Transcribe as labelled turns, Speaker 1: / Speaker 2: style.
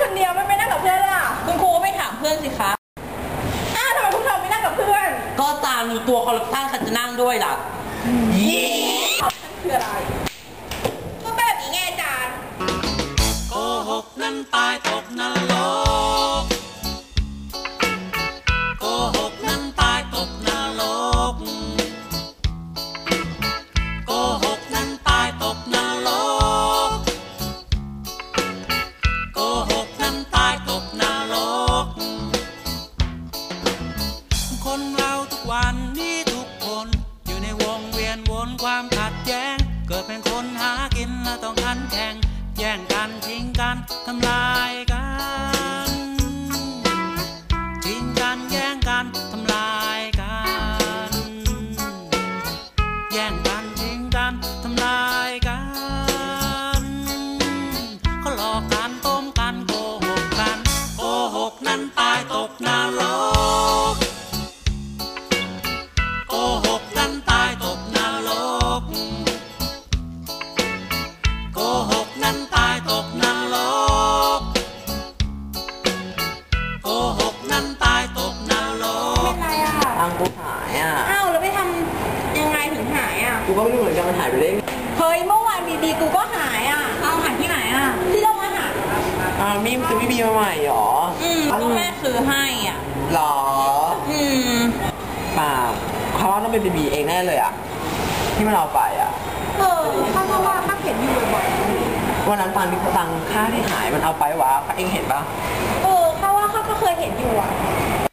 Speaker 1: คนเดียวไม่นั่งกับเพื่อนล่ะ
Speaker 2: คุณครูก็ไม่ถามเพื่อนสิคะ
Speaker 1: ทำไมพวกเธอไม่นั่งกับเพื่อน
Speaker 2: ก็ตามตัวคอร์รัปชันใครจะนั่งด้วยล่ะ
Speaker 1: คืออะไรก็แบบนี้ไงอาจารย์
Speaker 3: โกหกนั้นตายตกนรกโกหกนั้นตายตกนรกโกหกนั้นตายตกนรกโกหกนั้นตายตกนรกคนเราทุกวันนี้ทุกคนอยู่ในวงเวียนวนความขัดแย้งเกิดเป็นคนหากินและต้องขันแข่งแย่งกันทิ้งกันทำลายกันทิ้งกันแย่งกันทำลายกันแย่งกันทิ้งกันทำลายกันเขาหลอกกันต้มกันโกหกกันโกหกนั้นตายตกนรกโกหกนั้นตายตกนรกโกหกนั้นตายตกนรกโกหกนั้นตายตกนรก
Speaker 1: เป็นไรอ่ะ
Speaker 2: ตังกูหายอ่ะ
Speaker 1: อ้าวแล้วไปทำยังไงถึงหายอ่ะ
Speaker 2: กูก็ไม่รู้เหมือนกันมันหายไปได้
Speaker 1: เฮ้ยเมื่อวานดีๆกูก็หายอ่ะเอาหายที่ไหนอ่ะที่โรงอาหาร
Speaker 2: มีคือพี่บีมาใหม่หรอ
Speaker 1: ก็แม่ซื้อให้อ่ะ
Speaker 2: หรอป่าเขาว่าต้องเป็นบีเองแน่เลยอ่ะที่มันเอาไปอ่ะ
Speaker 1: ข้าว่าข้าเห็นอยู่บ่อย
Speaker 2: วันนั้นตังค่าที่หายมันเอาไปวะเองเห็นปะ
Speaker 1: ข้าว่าข้าก็เคยเห็นอยู่อ่ะ